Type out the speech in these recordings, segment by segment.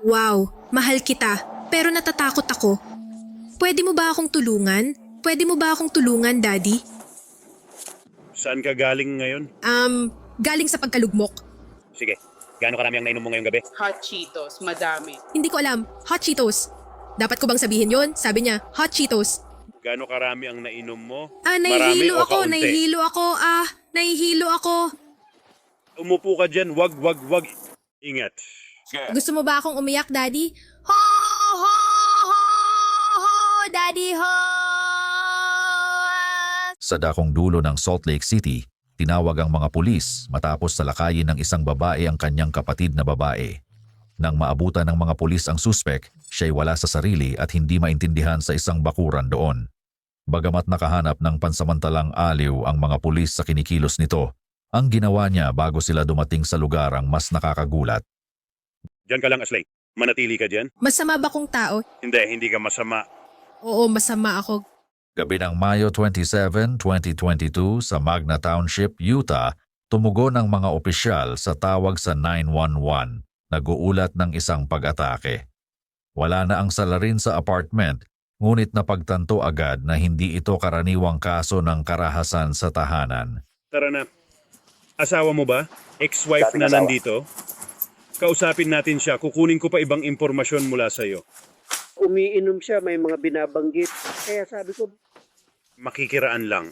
Wow, mahal kita. Pero natatakot ako. Pwede mo ba akong tulungan? Pwede mo ba akong tulungan, Daddy? Saan ka galing ngayon? Galing sa pagkalugmok. Sige, gaano karami ang nainom mo ngayong gabi? Hot Cheetos, madami. Hindi ko alam. Hot Cheetos. Dapat ko bang sabihin yon? Sabi niya, Hot Cheetos. Gaano karami ang nainom mo? Nahihilo Marami o ako, kaunti? nahihilo ako. Umupo ka dyan, wag. Ingat. Gusto mo ba akong umiyak, Daddy? Ho, Daddy, ho! Sa dakong dulo ng Salt Lake City, tinawag ang mga pulis matapos salakayin ng isang babae ang kanyang kapatid na babae. Nang maabutan ng mga pulis ang suspek, siya'y wala sa sarili at hindi maintindihan sa isang bakuran doon. Bagamat nakahanap ng pansamantalang aliw ang mga pulis sa kinikilos nito, ang ginawa niya bago sila dumating sa lugar ang mas nakakagulat. Diyan ka lang, Aslay. Manatili ka dyan? Masama ba kong tao? Hindi ka masama. Oo, masama ako. Gabi ng Mayo 27, 2022 sa Magna Township, Utah, tumugon ang mga opisyal sa tawag sa 911. Nag-uulat ng isang pag-atake. Wala na ang salarin sa apartment, ngunit napagtanto agad na hindi ito karaniwang kaso ng karahasan sa tahanan. Tara na. Asawa mo ba? Ex-wife na nandito? Kausapin natin siya. Kukunin ko pa ibang impormasyon mula sa'yo. Umiinom siya, may mga binabanggit. Kaya sabi ko, Makikiraan lang.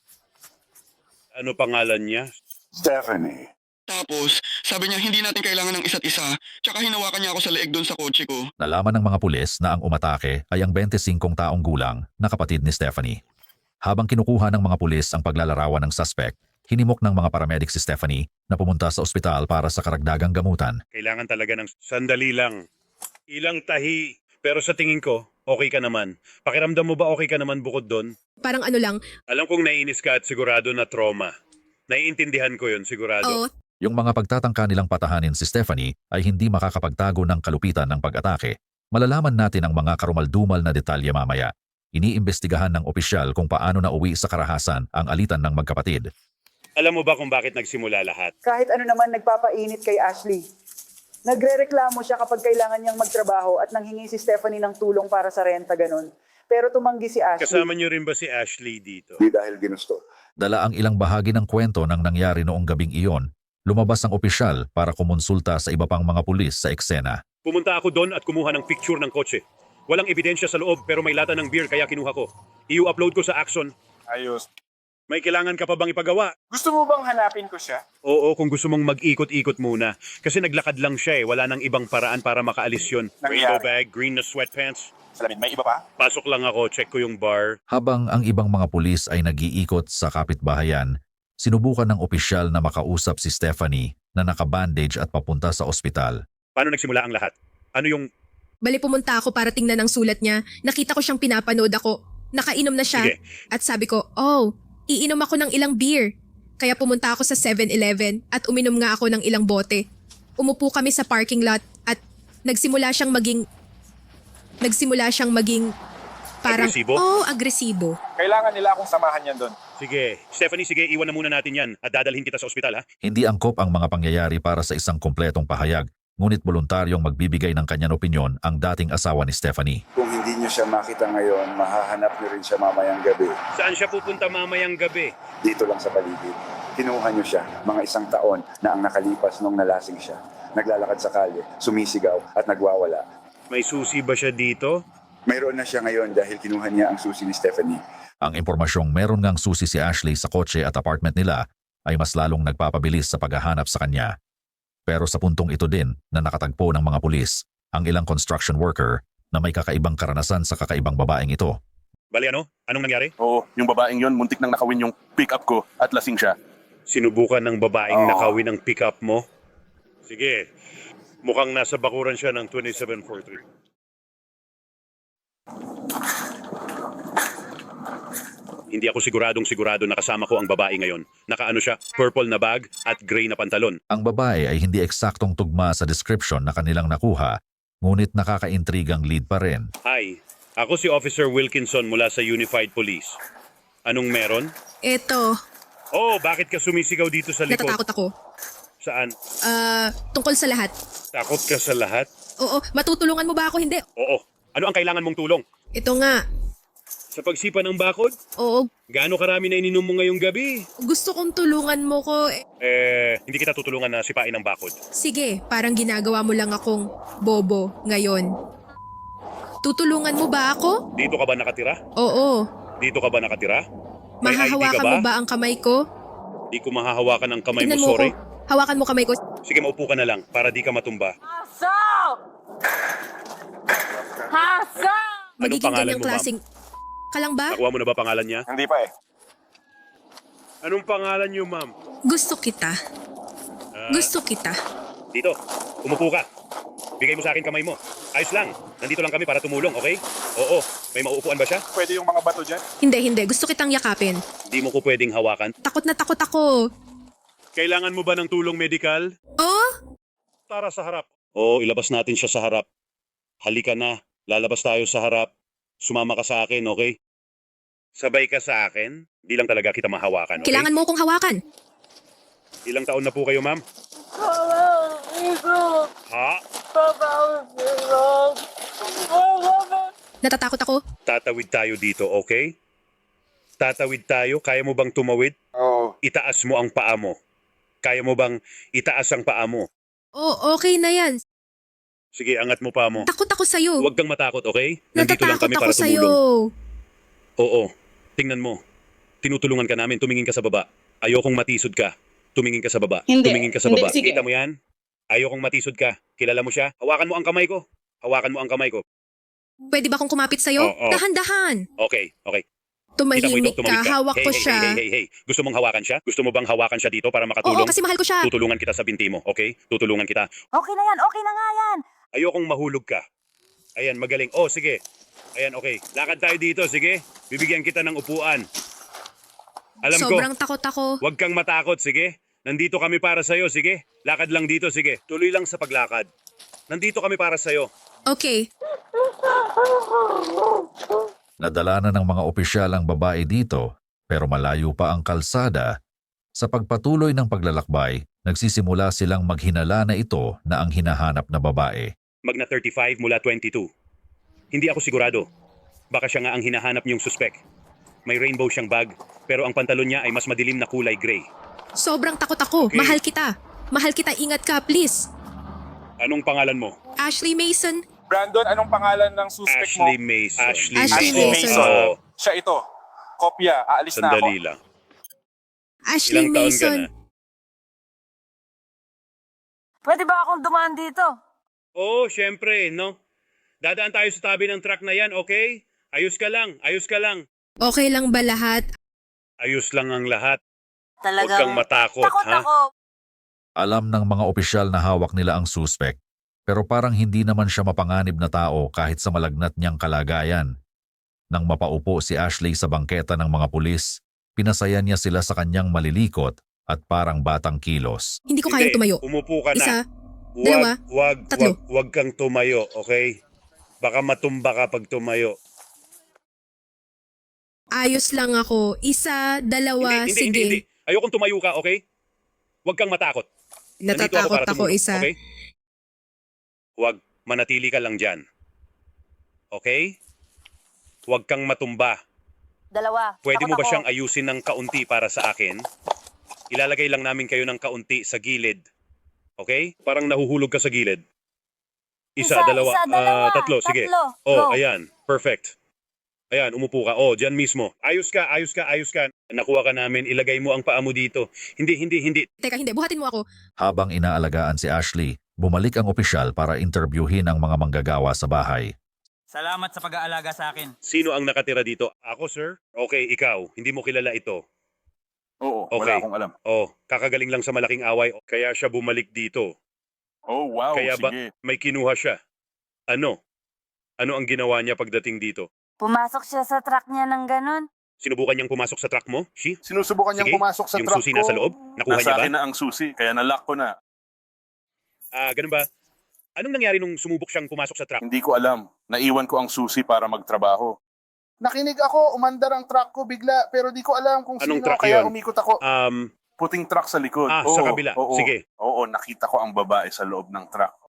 Ano pangalan niya? Stephanie. Tapos, sabi niya hindi natin kailangan ng isa't isa, tsaka hinawakan niya ako sa leeg doon sa kotse ko. Nalaman ng mga pulis na ang umatake ay ang 25 taong gulang na kapatid ni Stephanie. Habang kinukuha ng mga pulis ang paglalarawan ng suspect, hinimok ng mga paramedic si Stephanie na pumunta sa ospital para sa karagdagang gamutan. Kailangan talaga ng sandali lang. Ilang tahi. Pero sa tingin ko, okay ka naman. Pakiramdam mo ba okay ka naman bukod doon? Parang ano lang, Alam kong naiinis ka at sigurado na trauma. Naiintindihan ko yun, sigurado. oo, Yung mga pagtatangka nilang patahanin si Stephanie ay hindi makakapagtago ng kalupitan ng pag-atake. Malalaman natin ang mga karumaldumal na detalye mamaya. Iniimbestigahan ng opisyal kung paano nauwi sa karahasan ang alitan ng magkapatid. Alam mo ba kung bakit nagsimula lahat? Kahit ano naman nagpapainit kay Ashley. Nagrereklamo siya kapag kailangan niyang magtrabaho at nanghingi si Stephanie ng tulong para sa renta ganun. Pero tumanggi si Ashley. Kasama niyo rin ba si Ashley dito? Di dahil ginusto. Dala ang ilang bahagi ng kwento ng nangyari noong gabing iyon. Lumabas ang opisyal para kumonsulta sa iba pang mga pulis sa eksena. Pumunta ako doon at kumuha ng picture ng kotse. Walang ebidensya sa loob pero may lata ng beer kaya kinuha ko. I-upload ko sa Axon. Ayos. May kailangan ka pa bang ipagawa? Gusto mo bang hanapin ko siya? Oo, kung gusto mong mag-ikot-ikot muna. Kasi naglakad lang siya wala nang ibang paraan para makaalis yun. Rainbow bag, green na sweatpants. Salamin, may iba pa? Pasok lang ako, check ko yung bar. Habang ang ibang mga pulis ay nag-iikot sa kapitbahayan, sinubukan ng opisyal na makausap si Stephanie na nakabandage at papunta sa ospital. Paano nagsimula ang lahat? Ano yung... bali pumunta ako para tingnan ang sulat niya. Nakita ko siyang pinapanood ako. Nakainom na siya. Sige. At sabi ko, iinom ako ng ilang beer. Kaya pumunta ako sa 7-Eleven at uminom nga ako ng ilang bote. Umupo kami sa parking lot at nagsimula siyang maging parang, Agresibo? agresibo. Kailangan nila akong samahan yan doon. Sige, Stephanie, sige, iwan na muna natin yan at dadalhin kita sa ospital, ha? Hindi angkop ang mga pangyayari para sa isang kumpletong pahayag, ngunit voluntaryong magbibigay ng kanyang opinyon ang dating asawa ni Stephanie. Kung hindi niyo siya makita ngayon, mahahanap niyo rin siya mamayang gabi. Saan siya pupunta mamayang gabi? Dito lang sa paligid. Kinuha niyo siya, mga 1 taon na ang nakalipas nung nalasing siya. Naglalakad sa kalye, sumisigaw at nagwawala. May susi ba siya dito? Mayroon na siya ngayon dahil kinuha niya ang susi ni Stephanie. Ang impormasyong meron ngang susi si Ashley sa kotse at apartment nila ay mas lalong nagpapabilis sa paghahanap sa kanya. Pero sa puntong ito din na nakatagpo ng mga pulis ang ilang construction worker na may kakaibang karanasan sa kakaibang babaeng ito. Bali ano? Anong nangyari? Oo, yung babaeng yon muntik nang nakawin yung pick-up ko at lasing siya. Sinubukan ng babaeng nakawin ang pick-up mo? Sige, mukhang nasa bakuran siya ng 2743. Hindi ako sigurado na kasama ko ang babae ngayon. Nakaano siya, purple na bag at gray na pantalon. Ang babae ay hindi eksaktong tugma sa description na kanilang nakuha, ngunit nakakaintrigang lead pa rin. Hi, ako si Officer Wilkinson mula sa Unified Police. Anong meron? Eto, Oh, bakit ka sumisigaw dito sa likod? natatakot ako. Saan? Tungkol sa lahat. Takot ka sa lahat? Oo, matutulungan mo ba ako? Hindi. Oo. Ano ang kailangan mong tulong? Ito nga. Sa pagsipa ng bakod? Oo, Gaano karami na ininom mo ngayong gabi? gusto kong tulungan mo ko. Hindi kita tutulungan na sipain ng bakod. Sige, parang ginagawa mo lang akong bobo ngayon. Tutulungan mo ba ako? Dito ka ba nakatira? Oo. Dito ka ba nakatira? May ID ka Mahahawakan mo ba ang kamay ko? Di ko mahahawakan ang kamay Tingnan mo, mo sorry. ko. Hawakan mo kamay ko. Sige, maupo ka na lang para di ka matumba. Magiging pangalan ganyang mo, ma'am? klaseng... Kalang ba? Nakuha mo na ba pangalan niya? Hindi pa eh. Anong pangalan niyo, ma'am? Gusto kita. Gusto kita. Dito, umupo ka. Bigay mo sa akin kamay mo. Ayos lang. Nandito lang kami para tumulong, okay? Oo. May mauupuan ba siya? Pwede yung mga bato dyan? Hindi. Gusto kitang yakapin. Di mo ko pwedeng hawakan. Takot na takot ako. Kailangan mo ba ng tulong medikal? Oh? Tara sa harap. Oo, ilabas natin siya sa harap. Halika na. Lalabas tayo sa harap. Sumama ka sa akin, okay? Sabay ka sa akin. Di lang talaga kita mahawakan, okay? Kailangan mo akong hawakan. Ilang taon na po kayo, ma'am? Ha? Natatakot ako. Tatawid tayo dito, okay? Tatawid tayo. Kaya mo bang tumawid? Oo. Itaas mo ang paa mo. Kaya mo bang itaas ang paa mo? Oh, okay na yan. Sige, angat mo paa mo. Takot ako sa'yo. Huwag kang matakot, okay? Nandito lang Natatakot kami ako para sa'yo. tumulong. Oo. Tingnan mo. Tinutulungan ka namin. Tumingin ka sa baba. Ayokong matisod ka. Tumingin ka sa baba. Hindi. Tumingin ka sa Hindi, baba. sige. Kita mo yan? Ayokong matisod ka. Kilala mo siya? Hawakan mo ang kamay ko. Hawakan mo ang kamay ko. Pwede ba akong kumapit sa'yo? Oo. Dahan-dahan. Okay. Kita mo ito? Tumahimik Tumawid ka. Hawak ko siya. Hey. Gusto mong hawakan siya? Gusto mo bang hawakan siya dito para Oo, makatulong? kasi mahal ko siya. Tutulungan kita sa binti mo, okay? Tutulungan kita. Okay na yan, okay na nga yan. Ayokong mahulog ka. Ayan, magaling. Oh, sige. Ayan, okay. Lakad tayo dito, sige. Bibigyan kita ng upuan. Alam Sobrang ko, takot ako. huwag kang matakot, sige. Nandito kami para sa'yo, sige. Lakad lang dito, sige. Tuloy lang sa paglakad. Nandito kami para sa'yo. Okay. Nadala na ng mga opisyal ang babae dito pero malayo pa ang kalsada. Sa pagpatuloy ng paglalakbay, nagsisimula silang maghinala na ito na ang hinahanap na babae. Magna 35 mula 22. Hindi ako sigurado. Baka siya nga ang hinahanap niyong suspek. May rainbow siyang bag, pero ang pantalon niya ay mas madilim na kulay gray. Sobrang takot ako. Okay. Mahal kita. Mahal kita. Ingat ka, please. Anong pangalan mo? Ashley Mason. Brandon, anong pangalan ng suspect mo? Ashley Mason. Ashley Mason. Oo, Siya ito. Kopya. Aalis na ako. sandali lang. Ashley Ilang taon ka Mason. na? Pwede ba akong dumaan dito? Oo, syempre, no? Dadaan tayo sa tabi ng truck na yan, okay? Ayos ka lang. Okay lang ba lahat? Ayos lang ang lahat. Huwag Talagang kang matakot, takot ha? ako. Alam ng mga opisyal na hawak nila ang suspect pero parang hindi naman siya mapanganib na tao kahit sa malagnat niyang kalagayan. Nang mapaupo si Ashley sa bangketa ng mga pulis, pinasaya niya sila sa kanyang malilikot at parang batang kilos. Hindi ko kayang tumayo. Umupo ka na. Isa, dalawa, tatlo. Huwag kang tumayo, okay? Baka matumba ka pag tumayo. Ayos lang ako. Isa, dalawa, sige. Hindi. Ayokong tumayo ka, okay? Huwag kang matakot. Nandito Natatakot para ako, tumulong, isa. Okay? Huwag, manatili ka lang dyan. Okay? Huwag kang matumba. Dalawa. Pwede mo Takot ba ako. siyang ayusin ng kaunti para sa akin? Ilalagay lang namin kayo ng kaunti sa gilid. Okay? Parang nahuhulog ka sa gilid. Isa, dalawa, tatlo. Sige. Oh, Go. ayan. Perfect. Ayan, umupo ka. Oh, dyan mismo. Ayos ka. Nakuha ka namin. Ilagay mo ang paa mo dito. Hindi. Teka, hindi. Buhatin mo ako. Habang inaalagaan si Ashley, bumalik ang opisyal para interbyuhin ang mga manggagawa sa bahay. Salamat sa pag-aalaga sa akin. Sino ang nakatira dito? Ako, sir? Okay, ikaw. Hindi mo kilala ito. Oo, Okay. wala akong alam. Oh, kakagaling lang sa malaking away. Kaya siya bumalik dito. Oh, wow, Kaya ba sige. may kinuha siya? Ano? Ano ang ginawa niya pagdating dito? Pumasok siya sa truck niya ng ganun. Sinubukan niyang pumasok sa truck mo? She? Sinusubukan niyang Sige, pumasok sa yung truck susi ko. nasa loob? Nakuha Nasa niya ba? akin na ang susi, kaya nalock ko na. Ganun ba? Anong nangyari nung sumubok siyang pumasok sa truck? Hindi ko alam. Naiwan ko ang susi para magtrabaho. Nakinig ako, umandar ang truck ko bigla, pero di ko alam kung Anong sino, truck kaya yun? umikot ako. Um, Puting truck sa likod. sa kabila. Oo. Sige. Oo, nakita ko ang babae sa loob ng truck.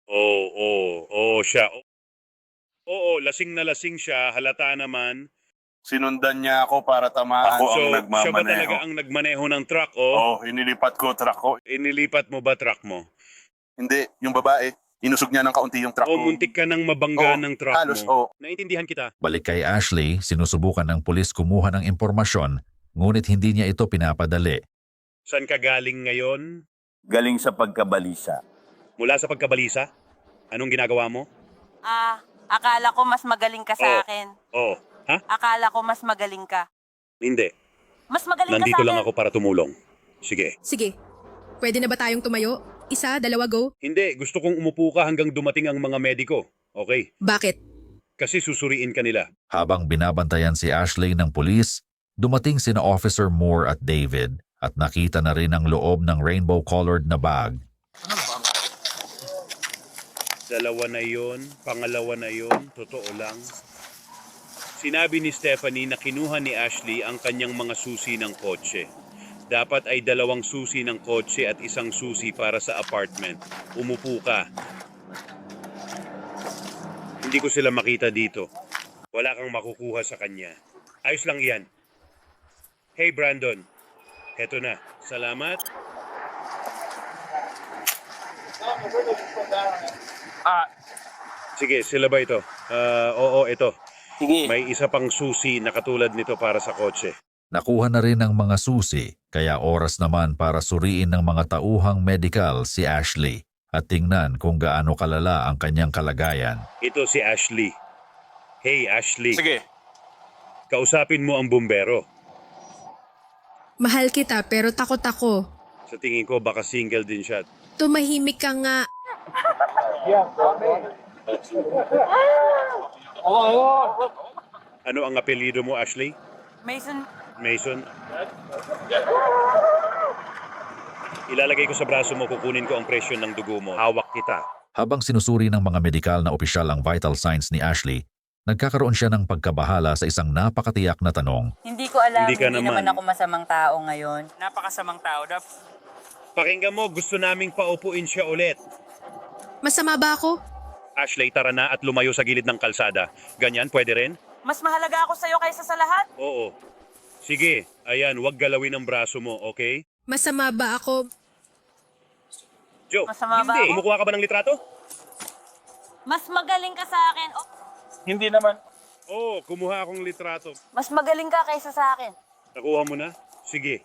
Oo, siya. Oo, lasing na lasing siya, halata naman. Sinundan niya ako para tamaan. Ako So, ang siya ba talaga nagmamaneho. ang nagmaneho ng truck, oh? Inilipat ko truck ko. Inilipat mo ba truck mo? Hindi, yung babae, inusog niya ng kaunti yung truck O ko. muntik ka nang mabangga ng truck halos, mo? Naintindihan kita. Balik kay Ashley, sinusubukan ng pulis kumuha ng impormasyon, ngunit hindi niya ito pinapadali. Saan ka galing ngayon? Galing sa pagkabalisa. Mula sa pagkabalisa? Anong ginagawa mo? Akala ko mas magaling ka sa akin. Oh, ha? Akala ko mas magaling ka. Hindi. Mas magaling Nandito ka sa akin. lang ako para tumulong. Sige. Sige, pwede na ba tayong tumayo? Isa, dalawa, go? Hindi, gusto kong umupo ka hanggang dumating ang mga mediko. Okay? Bakit? Kasi susuriin ka nila. Habang binabantayan si Ashley ng pulis, dumating sina Officer Moore at David at nakita na rin ang loob ng rainbow-colored na bag. Dalawa na yon, pangalawa na yon, totoo lang. Sinabi ni Stephanie na kinuha ni Ashley ang kanyang mga susi ng kotse. Dapat ay 2 susi ng kotse at 1 susi para sa apartment. Umupo ka. Hindi ko sila makita dito. Wala kang makukuha sa kanya. Ayos lang iyan. Hey Brandon, heto na. Salamat. Sige, sila ba ito? Oo, ito. Sige. May isa pang susi na katulad nito para sa kotse. Nakuha na rin ang mga susi, kaya oras naman para suriin ng mga tauhang medical si Ashley at tingnan kung gaano kalala ang kanyang kalagayan. Ito si Ashley. Hey Ashley, Sige. kausapin mo ang bumbero. Mahal kita pero takot ako. Sa tingin ko baka single din siya. Tumahimik ka nga. Ano ang apelyido mo, Ashley? Mason, Mason? Ilalagay ko sa braso mo, kukunin ko ang presyon ng dugo mo. Hawak kita. Habang sinusuri ng mga medikal na opisyal ang vital signs ni Ashley, nagkakaroon siya ng pagkabahala sa isang napakatiyak na tanong. hindi ko alam, Hindi ka hindi naman. naman ako masamang tao ngayon. Napakasamang tao, Dap. Pakinggan mo, gusto naming paupuin siya ulit. Masama ba ako? Ashley, tara na at lumayo sa gilid ng kalsada. Ganyan, pwede rin? Mas mahalaga ako sa'yo kaysa sa lahat. Oo. Sige, ayan, huwag galawin ang braso mo, okay? Masama ba ako? Joe, Masama ba hindi. ako? Kumukuha ka ba ng litrato? Mas magaling ka sa akin. Hindi naman. Oo, kumuha akong litrato. Mas magaling ka kaysa sa akin. Nakuha mo na? Sige.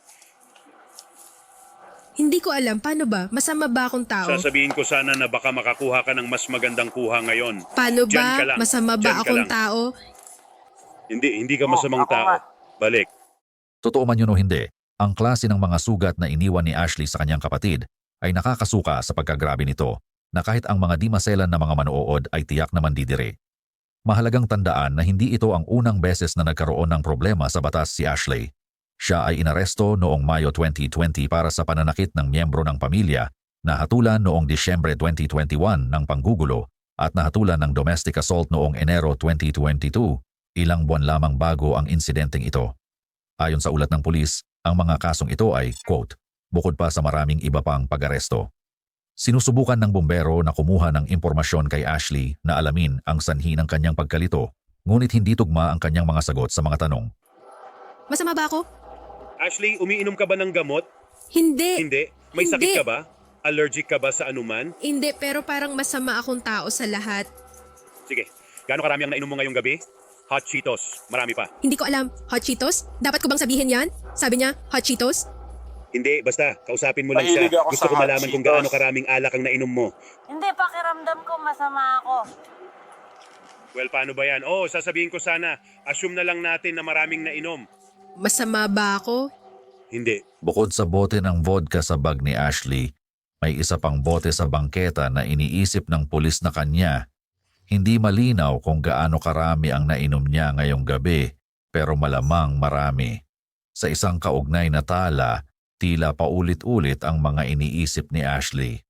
Hindi ko alam, paano ba? Masama ba akong tao? Sasabihin ko sana na baka makakuha ka ng mas magandang kuha ngayon. Paano Diyan ka ba? lang. Masama Diyan ba ka akong lang. tao? Hindi ka masamang ako tao. nga. Balik. Totoo man yun o hindi, ang klase ng mga sugat na iniwan ni Ashley sa kanyang kapatid ay nakakasuka sa pagkagrabe nito na kahit ang mga di maselan na mga manood ay tiyak na mandidire. Mahalagang tandaan na hindi ito ang unang beses na nagkaroon ng problema sa batas si Ashley. Siya ay inaresto noong Mayo 2020 para sa pananakit ng miyembro ng pamilya, nahatulan noong Disyembre 2021 ng panggugulo at nahatulan ng domestic assault noong Enero 2022, ilang buwan lamang bago ang insidenteng ito. Ayon sa ulat ng pulis, ang mga kasong ito ay, quote, bukod pa sa maraming iba pang pag-aresto. Sinusubukan ng bumbero na kumuha ng impormasyon kay Ashley na alamin ang sanhi ng kanyang pagkalito, ngunit hindi tugma ang kanyang mga sagot sa mga tanong. Masama ba ako? Ashley, umiinom ka ba ng gamot? Hindi. Hindi. May Hindi. sakit ka ba? Allergic ka ba sa anuman? Hindi, pero parang masama akong tao sa lahat. Sige. Gaano karami ang nainom mo ngayong gabi? Hot Cheetos. Marami pa. Hindi ko alam. Hot Cheetos? Dapat ko bang sabihin yan? Sabi niya, Hot Cheetos? Hindi, basta. Kausapin mo lang Mahilig siya. ako Gusto sa ko Hot malaman kung Cheetos. gaano karaming alak ang nainom mo. Hindi, pakiramdam ko masama ako. Well, paano ba yan? Oh, sasabihin ko sana. Assume na lang natin na maraming nainom. Masama ba ako? Hindi. Bukod sa bote ng vodka sa bag ni Ashley, may isa pang bote sa bangketa na iniisip ng pulis na kanya. Hindi malinaw kung gaano karami ang nainom niya ngayong gabi, pero malamang marami. Sa isang kaugnay na tala, tila paulit-ulit ang mga iniisip ni Ashley.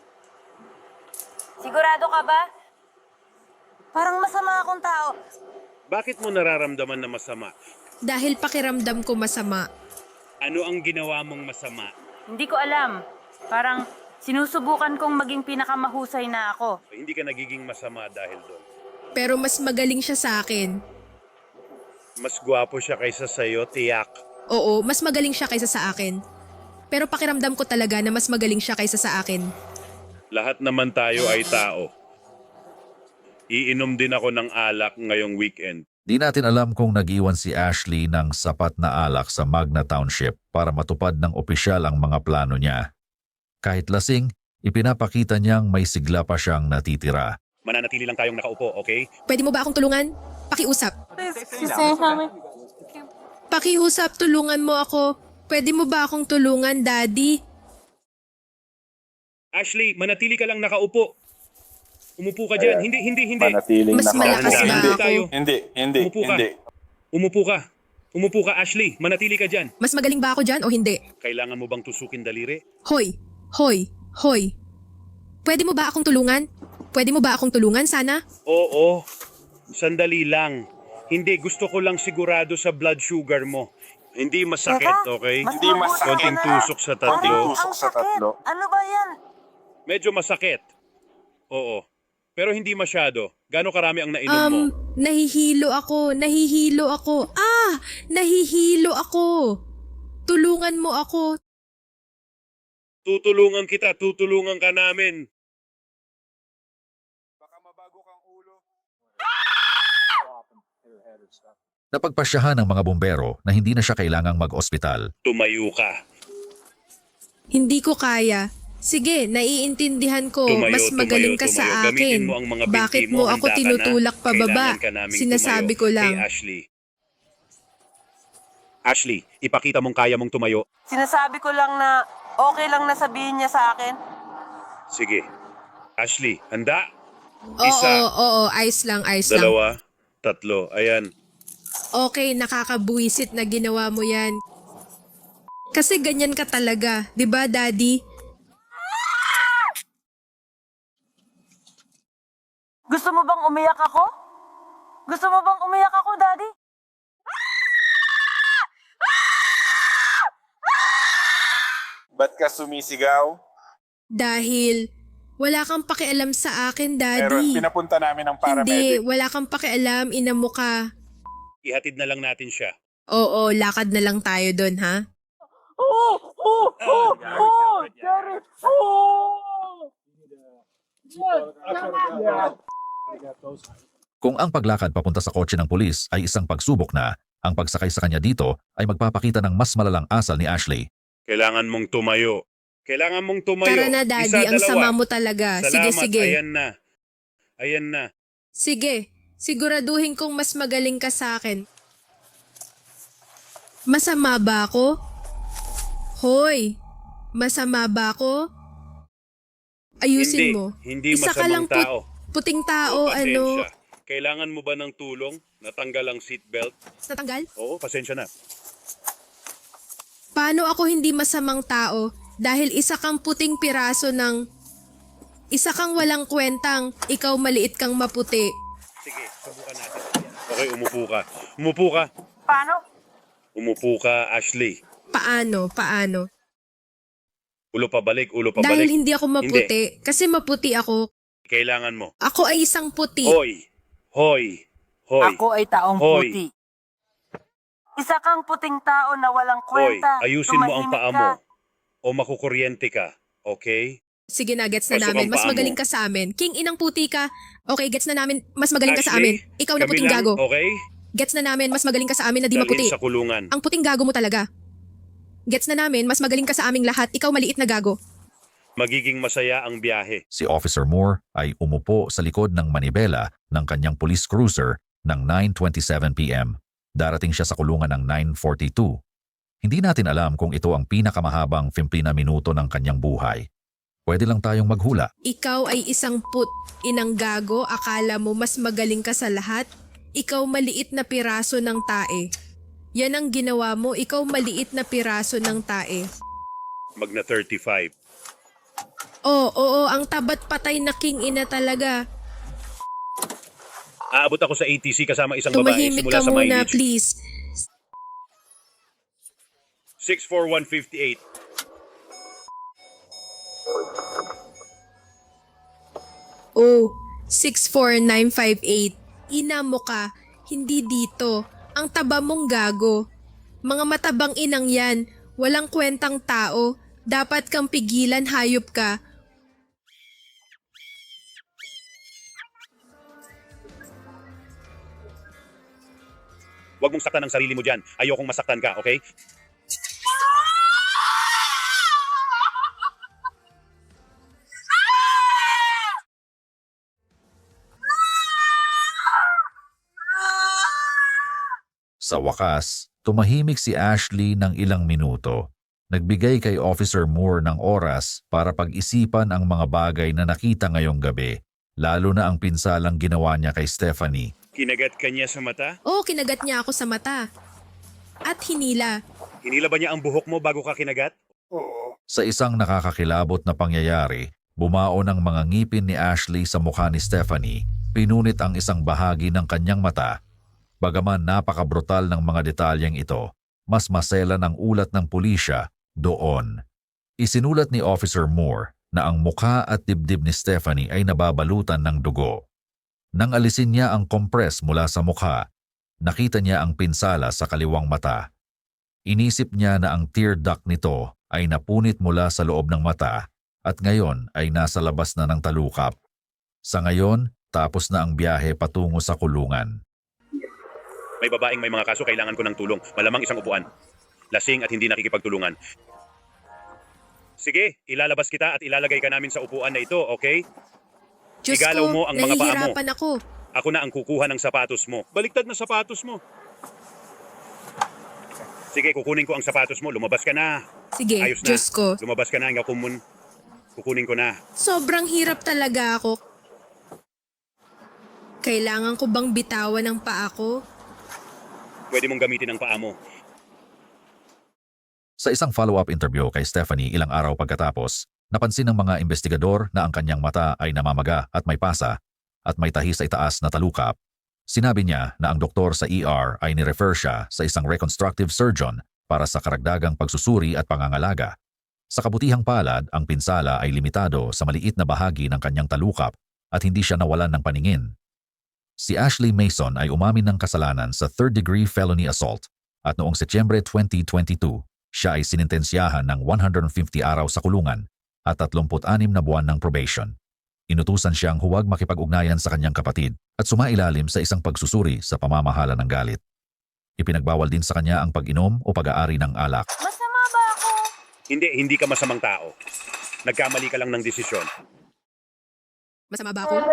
Sigurado ka ba? Parang masama akong tao. Bakit mo nararamdaman na masama? Dahil pakiramdam ko masama. Ano ang ginawa mong masama? Hindi ko alam. Parang Sinusubukan kong maging pinakamahusay na ako. Hindi ka nagiging masama dahil doon. Pero mas magaling siya sa akin. Mas gwapo siya kaysa sa'yo, tiyak. Oo, mas magaling siya kaysa sa akin. Pero pakiramdam ko talaga na mas magaling siya kaysa sa akin. Lahat naman tayo ay tao. Iinom din ako ng alak ngayong weekend. Di natin alam kung nag-iwan si Ashley ng sapat na alak sa Magna Township para matupad ng opisyal ang mga plano niya. Kahit lasing, ipinapakita niyang may sigla pa siyang natitira. Mananatili lang tayong nakaupo, okay? Pwede mo ba akong tulungan? Pakiusap. Pakiusap, tulungan mo ako. Pwede mo ba akong tulungan, Daddy? Ashley, manatili ka lang nakaupo. Umupo ka dyan. Hindi. Manatiling Mas malakas ba Hindi ako? tayo. Hindi. Umupo ka. Umupo ka, Ashley. Manatili ka dyan. Mas magaling ba ako dyan o hindi? Kailangan mo bang tusukin daliri? Hoy! Pwede mo ba akong tulungan? Pwede mo ba akong tulungan sana? Oo. Sandali lang. Hindi, gusto ko lang sigurado sa blood sugar mo. Hindi masakit, okay? Hindi masakit. Konting tusok sa tatlo. Ang sakit. Ano ba yan? Medyo masakit. Oo. Pero hindi masyado. Gaano karami ang nainom mo? Nahihilo ako. Nahihilo ako. Tulungan mo ako. Tutulungan kita. Tutulungan ka namin. Napagpasyahan ng mga bumbero na hindi na siya kailangang mag-ospital. Tumayo ka. Hindi ko kaya. Sige, naiintindihan ko. Mas magaling ka sa Gamitin akin. mo ang mga binti Bakit mo. mo ako Handa ka na? tinutulak pababa? Kailangan ka naming Sinasabi tumayo. ko lang. Hey, Ashley. Ashley, ipakita mong kaya mong tumayo. Sinasabi ko lang na okay lang na sabihin niya sa akin. Sige. Ashley, handa? Oo, ayos lang. Dalawa, tatlo. Ayan. Okay, nakakabuisit na ginawa mo yan. Kasi ganyan ka talaga, 'di ba, Daddy? Gusto mo bang umiyak ako? Daddy? Ba't ka sumisigaw? Dahil wala kang pakialam sa akin, Pero Daddy. pinapunta namin ng Hindi, paramedic. wala kang pakialam, ina mo ka. Ihatid na lang natin siya. Oo, lakad na lang tayo doon, ha? Jerry! Kung ang paglakad papunta sa kotse ng pulis ay isang pagsubok na, ang pagsakay sa kanya dito ay magpapakita ng mas malalang asal ni Ashley. Kailangan mong tumayo. Tara na, Daddy, ang sama mo talaga. Salamat. Sige. Ayan na. Sige, siguraduhin kong mas magaling ka sa akin. Masama ba ako? Hoy, masama ba ako? Ayusin mo. Hindi Isa ka lang masamang tao. puting tao, Pasensya. Kailangan mo ba ng tulong? Natanggal ang seatbelt? Natanggal? Oo, pasensya na. Paano ako hindi masamang tao dahil isa kang puting piraso ng... Isa kang walang kwentang, ikaw maliit kang maputi. Sige, subukan natin. Okay, umupo ka. Paano? Umupo ka, Ashley. Paano? Ulo pabalik. Dahil hindi ako maputi. Kasi maputi ako. Kailangan mo. Ako ay isang puti. Hoy. Ako ay taong Hoy. puti. Isa kang puting tao na walang Hoy, kwenta. ayusin mo ang Tumahimik paa ka. mo. O makukuryente ka. Okay? Sige na, gets na Pasok namin. ang Mas paa mo. magaling ka sa amin. King inang puti ka. Okay, gets na namin. Mas magaling ka sa Ashley, amin. Ikaw na kami puting lang, gago. Okay? Gets na namin. Mas magaling ka sa amin na di Dalhin maputi. sa kulungan. Ang puting gago mo talaga. Gets na namin. Mas magaling ka sa aming lahat. Ikaw maliit na gago. Magiging masaya ang biyahe. Si Officer Moore ay umupo sa likod ng manibela ng kanyang police cruiser ng 9:27 p.m. Darating siya sa kulungan ng 9:42. Hindi natin alam kung ito ang pinakamahabang 15 na minuto ng kanyang buhay. Pwede lang tayong maghula. Ikaw ay isang inang gago. Akala mo mas magaling ka sa lahat? Ikaw maliit na piraso ng tae. Yan ang ginawa mo. Ikaw maliit na piraso ng tae. Magna 35. Oo, ang tabat patay na king ina talaga. Aabot ako sa ATC kasama isang babae Tumahimik simula ka sa muna, mileage. please. 64158. Oh, 64958. Ina mo ka, hindi dito. Ang taba mong gago. Mga matabang inang yan, walang kwentang tao. Dapat kang pigilan, hayop ka. Huwag mong saktan ang sarili mo dyan. Ayokong masaktan ka, okay? Sa wakas, tumahimik si Ashley ng ilang minuto. Nagbigay kay Officer Moore ng oras para pag-isipan ang mga bagay na nakita ngayong gabi, lalo na ang pinsalang ginawa niya kay Stephanie. Kinagat ka niya sa mata? Oo, kinagat niya ako sa mata. At hinila. Hinila ba niya ang buhok mo bago ka kinagat? Sa isang nakakakilabot na pangyayari, bumao ng mga ngipin ni Ashley sa mukha ni Stephanie, pinunit ang isang bahagi ng kanyang mata. Bagaman napakabrutal ng mga detalyeng ito, mas maselan ang ulat ng pulisya doon. Isinulat ni Officer Moore na ang mukha at dibdib ni Stephanie ay nababalutan ng dugo. Nang alisin niya ang kompres mula sa mukha, nakita niya ang pinsala sa kaliwang mata. Inisip niya na ang tear duct nito ay napunit mula sa loob ng mata at ngayon ay nasa labas na ng talukap. Sa ngayon, tapos na ang biyahe patungo sa kulungan. May babaeng may mga kaso, kailangan ko ng tulong. Malamang isang upuan. Lasing at hindi nakikipagtulungan. Sige, ilalabas kita at ilalagay ka namin sa upuan na ito, okay? Diyos Igalaw ko, mo ang mga paa mo. nahihirapan ako. Ako na ang kukuha ng sapatos mo. Baliktad na sapatos mo. Sige, kukunin ko ang sapatos mo. Lumabas ka na. Sige, Ayos na. Diyos ko. Lumabas ka na. Kukunin ko na. Sobrang hirap talaga ako. Kailangan ko bang bitawan ang paa ko? Pwede mong gamitin ang paa mo. Sa isang follow-up interview kay Stephanie ilang araw pagkatapos, napansin ng mga investigador na ang kanyang mata ay namamaga at may pasa at may tahi sa itaas na talukap. Sinabi niya na ang doktor sa ER ay nirefer siya sa isang reconstructive surgeon para sa karagdagang pagsusuri at pangangalaga. Sa kabutihang palad, ang pinsala ay limitado sa maliit na bahagi ng kanyang talukap at hindi siya nawalan ng paningin. Si Ashley Mason ay umamin ng kasalanan sa third-degree felony assault at noong Setyembre 2022, siya ay sinintensyahan ng 150 araw sa kulungan at 36 na buwan ng probation. Inutusan siyang huwag makipag-ugnayan sa kanyang kapatid at sumailalim sa isang pagsusuri sa pamamahala ng galit. Ipinagbawal din sa kanya ang pag-inom o pag-aari ng alak. Masama ba ako? Hindi ka masamang tao. Nagkamali ka lang ng desisyon. Masama ba ako?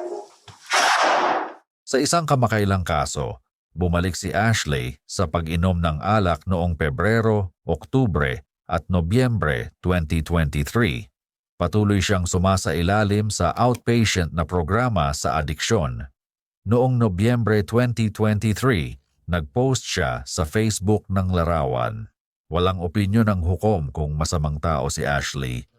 Sa isang kamakailang kaso, bumalik si Ashley sa pag-inom ng alak noong Pebrero, Oktubre at Nobyembre 2023. Patuloy siyang sumasailalim sa outpatient na programa sa adiksyon. Noong Nobyembre 2023, nag-post siya sa Facebook ng larawan. Walang opinyon ng hukom kung masamang tao si Ashley